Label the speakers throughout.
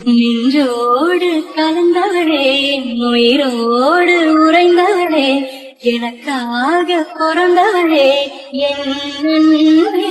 Speaker 1: நின்றோடு கலந்தவளே, உயிரோடு உறைந்தவளே, எனக்காக பிறந்தவளே, என் அன்பே.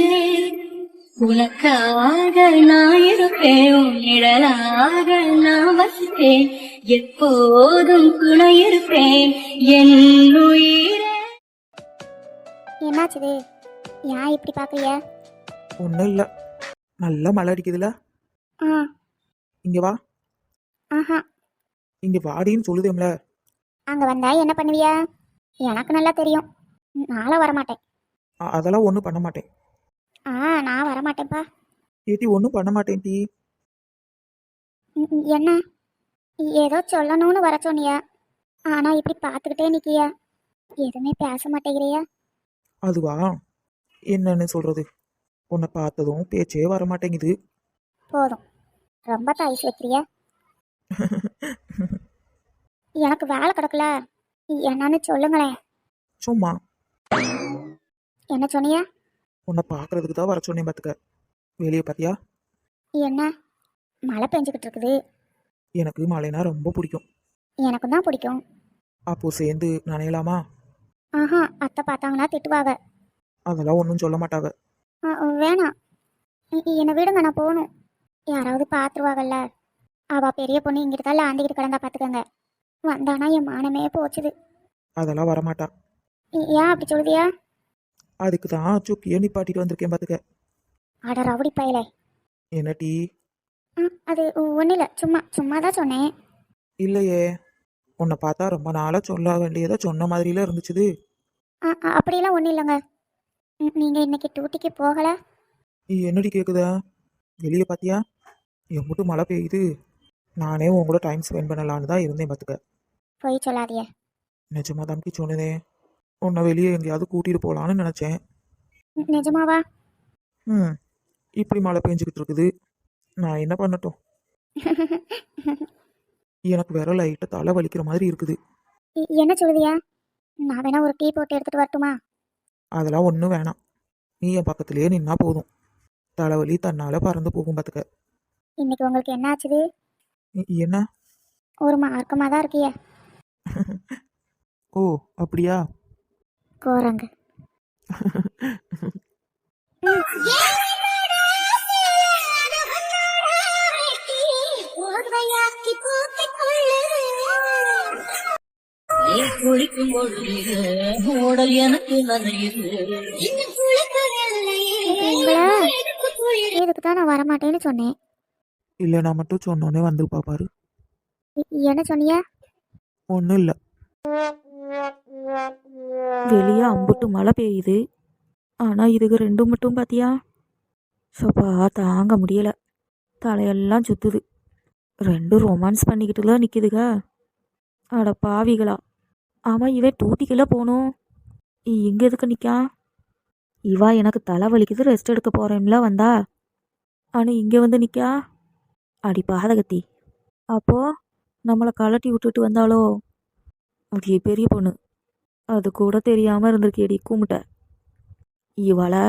Speaker 1: உனக்காக நான் இருப்பேன், உன் நிழலாக நான் வசிப்பேன், எப்போதும் துணை இருப்பேன் என் உயிரே.
Speaker 2: என்னாச்சுது? ஏன் இப்படி பாக்குறிய?
Speaker 3: ஒன்றும் இல்லை, நல்லா மழை அடிக்குதுல.
Speaker 2: ஆ.
Speaker 3: இங்கே வா.
Speaker 2: ஆஹா.
Speaker 3: இங்கே வாடின்னு சொல்லுதேம்ல.
Speaker 2: அங்க வந்தா என்ன பண்ணுவியா? எனக்கு நல்லா தெரியும், நாளை வரமாட்டேன்.
Speaker 3: அதெல்லாம் ஒன்றும் பண்ண மாட்டேன்.
Speaker 2: நான் வரமாட்டேன்ப்பா.
Speaker 3: ஏட்டி ஒன்றும் பண்ண மாட்டேன் டி.
Speaker 2: என்ன ஏதோ சொல்லணும்னு வர சொன்னியா, ஆனா இப்படி பார்த்துக்கிட்டே நிக்கியா, எதுவுமே பேச மாட்டேங்கிறியா?
Speaker 3: அதுவா, என்னன்னு சொல்றது, உன்னை பார்த்ததும் பேச்சே வர மாட்டேங்குது.
Speaker 2: போதும், ரொம்ப தாய்ஸ் வைக்கிறியா? எனக்கு வேலை கிடக்கல, என்னன்னு சொல்லுங்களேன்.
Speaker 3: சும்மா.
Speaker 2: என்ன சொன்னியா?
Speaker 3: உன்னை பார்க்கறதுக்கு தான் வர சொன்னேன் பார்த்துக்க. வெளியே பார்த்தியா?
Speaker 2: என்ன மழை பெஞ்சுக்கிட்டு இருக்குது?
Speaker 3: எனக்கு மழைனா ரொம்ப பிடிக்கும்.
Speaker 2: எனக்கும் தான் பிடிக்கும்.
Speaker 3: அப்போ சேர்ந்து நனையலாமா?
Speaker 2: ஆஹா, அத்தை பார்த்தாங்கன்னா திட்டுவாங்க.
Speaker 3: அதெல்லாம் ஒன்றும் சொல்ல மாட்டாங்க.
Speaker 2: வேணாம், என்னை விடுங்க, நான் போகணும். யாராவது பார்த்துருவாங்கல்ல. அவள் பெரிய பொண்ணு இங்கிட்டு தான் ஆண்டிக்கிட்டு கிடந்தா பார்த்துக்கங்க. வந்தானா என் மானமே போச்சுது.
Speaker 3: அதெல்லாம் வரமாட்டா.
Speaker 2: ஏன் அப்படி சொல்லுதியா?
Speaker 3: அதுக்கு தான் சுக்கியே நிப்பாட்டிட்டு வந்திருக்கேன் பார்த்துக்க.
Speaker 2: அட ரவுடி பயலே.
Speaker 3: என்ன டீ?
Speaker 2: அது ஒன்றும் இல்லை, சும்மா தான் சொன்னேன்.
Speaker 3: இல்லையே, உன்னை பார்த்தா ரொம்ப நாளாக சொல்ல வேண்டியதை சொன்ன மாதிரில இருந்துச்சுது.
Speaker 2: அப்படியெல்லாம் ஒன்றும் இல்லைங்க. நீங்கள் இன்னைக்கு டியூட்டிக்கு போகலை?
Speaker 3: என்னடி கேட்குதா? வெளியே பார்த்தியா? எம்பிட்டு மழை பெய்யுது. நானே உன் கூட டைம் ஸ்பெண்ட் பண்ணலான்னு தான் இருந்தேன் பார்த்துக்க.
Speaker 2: போய் சொல்லாதிய.
Speaker 3: நிஜமா தம்பி சொன்னதே, உன்னை வெளியே எங்கேயாவது கூட்டிகிட்டு போகலான்னு நினச்சேன்.
Speaker 2: நிஜமாவா?
Speaker 3: இப்படி மழை பெஞ்சிக்கிட்டு இருக்குது, நான் என்ன பண்ணட்டும்? எனக்கு வேற லைட்டாக தலை வலிக்கிற மாதிரி இருக்குது.
Speaker 2: என்ன சொல்லுதியா? நான் வேணா ஒரு டீ போட்டு எடுத்துட்டு வரட்டுமா?
Speaker 3: அதெல்லாம் ஒன்றும் வேணாம், நீ என் பக்கத்துலேயே நின்னா போதும். தலைவலி தன்னால் பறந்து போகும் பார்த்துக்க.
Speaker 2: இன்னைக்கு உங்களுக்கு என்ன ஆச்சுது?
Speaker 3: என்ன?
Speaker 2: ஒரு மார்க்கமாக தான் இருக்கிய.
Speaker 3: ஓ அப்படியா?
Speaker 2: கோரங்க.
Speaker 1: குளிக்கும் பொழுது உடல் எனக்கு நனையுது.
Speaker 2: இதுக்கு தான் நான் வரமாட்டேன்னு சொன்னேன்.
Speaker 3: இல்லை, நான் மட்டும் சொன்னோன்னே வந்துருப்பா பாரு.
Speaker 2: என்ன சொன்னியா?
Speaker 3: ஒன்றும் இல்லை.
Speaker 4: வெளியே அம்புட்டு மழை பெய்யுது, ஆனால் இதுக்கு ரெண்டும் மட்டும் பார்த்தியா, சப்பா தாங்க முடியலை, தலையெல்லாம் சுற்றுது. ரெண்டும் ரொமான்ஸ் பண்ணிக்கிட்டுல நிற்கிதுங்க. அட பாவிகளா. ஆமாம், இவன் டூட்டிக்குள்ளே போகணும், இங்கே எதுக்கு நிற்கா? இவா எனக்கு தலை வலிக்குது ரெஸ்ட் எடுக்க போகிறேன்ல வந்தா, ஆனால் இங்கே வந்து நிற்கா. அடி பாதகத்தி. அப்போது நம்மளை கலட்டி விட்டுட்டு வந்தாலோ? அது பெரிய பொண்ணு, அது கூட தெரியாமல் இருந்திருக்கேடி கூமுட்ட இவளை.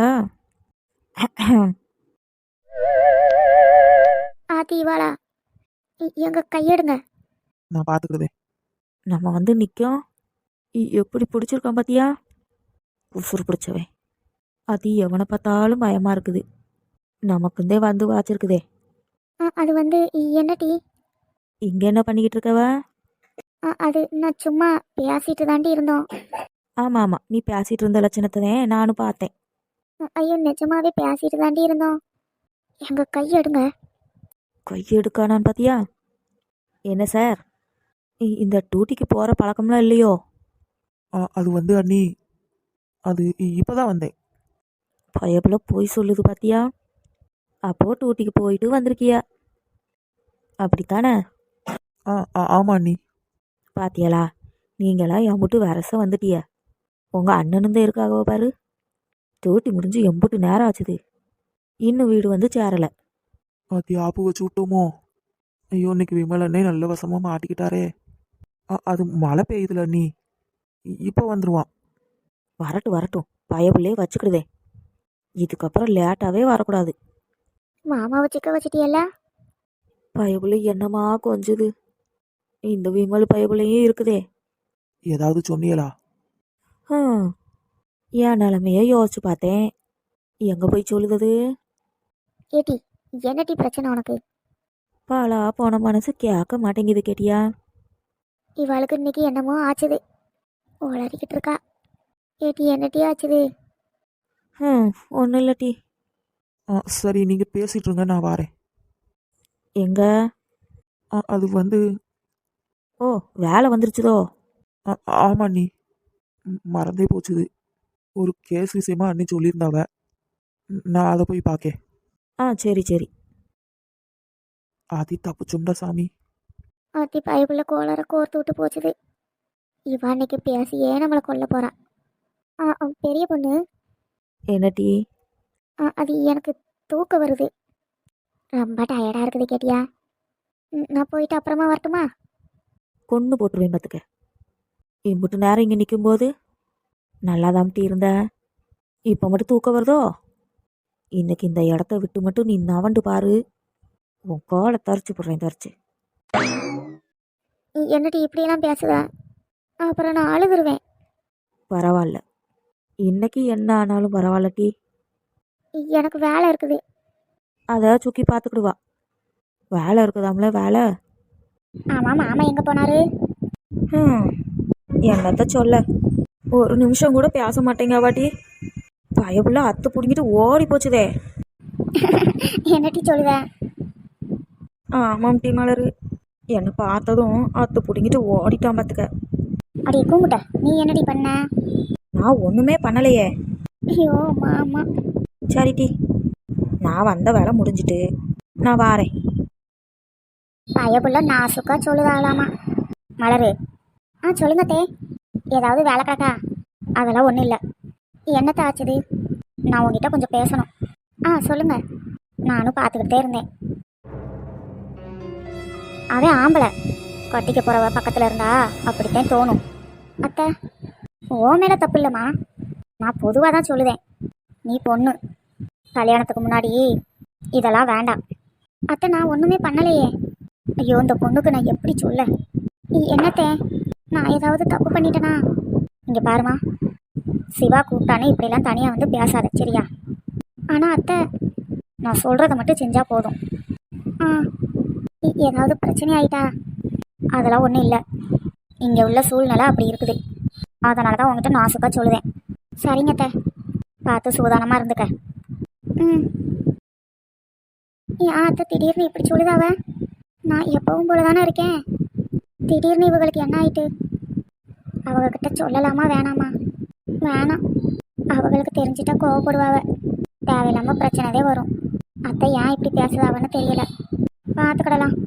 Speaker 2: ஆத்தி இவாளா? எங்க கையெடுங்க.
Speaker 3: நான் பார்த்துக்கிறதே.
Speaker 4: நம்ம வந்து நிற்கும், எப்படி பிடிச்சிருக்கான் பார்த்தியா? உசுறு பிடிச்சவன். அது எவனை பார்த்தாலும் பயமாக இருக்குது. நமக்குந்தே வந்து வாச்சிருக்குதே.
Speaker 2: அது வந்து என்ன டீ?
Speaker 4: இங்கே என்ன பண்ணிக்கிட்டு இருக்கவ?
Speaker 2: அது நான் சும்மா பேசிட்டு தாண்டி இருந்தோம்.
Speaker 4: ஆமாம் ஆமாம், நீ பேசிகிட்டு இருந்த லட்சணத்தை நானும் பார்த்தேன்.
Speaker 2: ஐயோ, நிஜமாவே பேசிட்டு தாண்டி இருந்தோம். எங்க கையெடுங்க.
Speaker 4: கையெடுக்கானான்னு பார்த்தியா? என்ன சார், இந்த டியூட்டிக்கு போகிற பழக்கம்லாம் இல்லையோ?
Speaker 3: அது வந்து அண்ணி, அது இப்போ தான் வந்தேன்.
Speaker 4: பயப்புல போய் சொல்லுது பார்த்தியா? அப்போது டியூட்டிக்கு போயிட்டு வந்திருக்கியா, அப்படித்தானே?
Speaker 3: ஆமாம் அண்ணி.
Speaker 4: பாத்தியலா, நீங்களா எம்புட்டு வரச வந்துட்டிய. உங்கள் அண்ணனும் தான் இருக்காகவோ பாரு. டியூட்டி முடிஞ்சு எம்புட்டு நேரம் ஆச்சுது, இன்னும் வீடு வந்து சேரலை.
Speaker 3: அது ஆப்பு வச்சு விட்டோமோ? ஐயோ, இன்னைக்கு விமல் அண்ணே நல்ல வசமாக மாட்டிக்கிட்டாரே. அது மழை பெய்யுதுல அண்ணி, இப்போ வந்துடுவான்.
Speaker 4: வரட்டும், பயப்புள்ளே வச்சுக்கிடுதே. இதுக்கப்புறம் லேட்டாகவே வரக்கூடாது.
Speaker 2: மாமாவை சிக்க வச்சிட்டியல்ல?
Speaker 4: பயபுள்ள என்னமா கொஞ்சுது. இந்த விமல் பயபுள்ளையும் இருக்குதே.
Speaker 3: ஏதாவது சொன்னியலா?
Speaker 4: ஹம், என் நிலமைய யோசிச்சு பார்த்தேன். எங்க போய் சொல்லுது?
Speaker 2: ஏட்டி என்னட்டி பிரச்சனை உனக்கு?
Speaker 4: பாலா போன மனசு கேட்க மாட்டேங்குது கேட்டியா?
Speaker 2: இவளுக்கு இன்னைக்கு என்னமோ ஆச்சுது, உளறிக்கிட்டு இருக்கா. ஏட்டி என்னட்டி ஆச்சுது?
Speaker 4: ஒன்றும் இல்லட்டி.
Speaker 3: சரி, நீங்க பேசிட்டு இருங்க, நான் வாரேன்.
Speaker 4: எங்க?
Speaker 3: அது வந்து
Speaker 4: ஓ, வேலை வந்துருச்சுதோ?
Speaker 3: ஆமா நீ, மறந்தே போச்சுது. ஒரு கேஸ் விஷயமா அண்ணி சொல்லியிருந்தாவ. நான் அதை போய் பார்க்கேன்.
Speaker 4: சரி சரி.
Speaker 3: ஆதி தப்புச்சுண்டா சாமி.
Speaker 2: அத்தி பைபிள கோளற கோர்த்து விட்டு போச்சுது. இவ அன்னைக்கு பேசியே நம்மளை கொல்ல போறா. பெரிய பொண்ணு,
Speaker 4: என்னட்டி?
Speaker 2: அது எனக்கு தூக்கம் வருது, ரொம்ப டயர்டா இருக்குது கேட்டியா? நான் போயிட்டு அப்புறமா வரட்டுமா?
Speaker 4: கொன்று போட்டுருவேன் பார்த்துக்க. இம்புட்டு நேரம் இங்கே நிற்கும்போது நல்லா தாம்ட்டி இருந்த. இப்போ மட்டும் தூக்கம் வருதோ? இன்னைக்கு இந்த இடத்த விட்டு மட்டும் நீ நவண்டு பாரு, உன் காலை தரிச்சு போடுறேன் தரிச்சு.
Speaker 2: என்னடி இப்படியெல்லாம் பேசுதா? அப்புறம் நான் அழுதுருவேன்.
Speaker 4: பரவாயில்ல, இன்னைக்கு என்ன ஆனாலும் பரவாயில்லட்டி.
Speaker 2: எனக்கு வேலை இருக்குது.
Speaker 4: அதை சுக்கி பார்த்துக்கிடுவா. வேலை இருக்குதாம்ல வேலை.
Speaker 2: ஆமாம், மாமா எங்கே போனாரு?
Speaker 4: என்னத்த சொல்ல, ஒரு நிமிஷம் கூட பேச மாட்டேங்க வாட்டி. பயப்புள்ள அத்து பிடிங்கிட்டு ஓடி போச்சுதே.
Speaker 2: என்னட்டி சொல்லுத?
Speaker 4: ஆமாம் டி மலரு, என்னை பார்த்ததும் அத்து பிடிங்கிட்டு ஓடிட்டான் பார்த்துக்க.
Speaker 2: அடி கூமுட்ட, நீ என்னடி பண்ண?
Speaker 4: நான் ஒன்றுமே பண்ணலையே.
Speaker 2: ஐயோ மாமா.
Speaker 4: சரி டி, நான் வந்த வேலை முடிஞ்சிட்டு நான் வாரேன்.
Speaker 2: பயப்புள்ள நாசுக்கா சொல்லுதாகலாமா. மலரு, சொல்லுங்க தே. ஏதாவது வேலை கிடக்கா? அதெல்லாம் ஒன்றும் இல்லை. என்னத்த ஆச்சுது? நான் உங்ககிட்ட கொஞ்சம் பேசணும். சொல்லுங்க. நானும் பார்த்துக்கிட்டே இருந்தேன். அவன் ஆம்பளை கட்டிக்க போகிறவ பக்கத்தில் இருந்தா அப்படித்தான் தோணும். அத்தை, ஓ மேலே தப்பு இல்லைம்மா, நான் பொதுவாக தான் சொல்லுவேன். நீ பொண்ணு, கல்யாணத்துக்கு முன்னாடி இதெல்லாம் வேண்டாம். அத்தை, நான் ஒன்றுமே பண்ணலையே. ஐயோ, இந்த பொண்ணுக்கு நான் எப்படி சொல்ல? என்னத்தே, நான் ஏதாவது தப்பு பண்ணிட்டேனா? இங்கே பாருமா, சிவா கூப்பிட்டானே இப்படிலாம் தனியாக வந்து பேசாத, சரியா? ஆனால் அத்தை, நான் சொல்கிறத மட்டும் செஞ்சால் போதும். ஏதாவது பிரச்சனை ஆயிட்டா? அதெல்லாம் ஒன்றும் இல்லை. இங்கே உள்ள சூழ்நிலை அப்படி இருக்குது. அதனால தான் உங்ககிட்ட நாசுக்காக சொல்லுவேன். சரிங்க அத்தை, பார்த்து சூதானமாக இருந்துக்க. அத்தை, திடீர்னு இப்படி சொல்லுதாவ? நான் எப்பவும் போல தானே இருக்கேன். திடீர்னு இவங்களுக்கு என்ன ஆயிட்டு? அவங்கக்கிட்ட சொல்லலாமா வேணாமா? வேணாம், அவங்களுக்கு தெரிஞ்சிட்டா கோவப்படுவாவ. தேவையில்லாமல் பிரச்சனைதே வரும். அத்தை ஏன் இப்படி பேசுதாவன்னு தெரியல. பார்த்துக்கிடலாம்.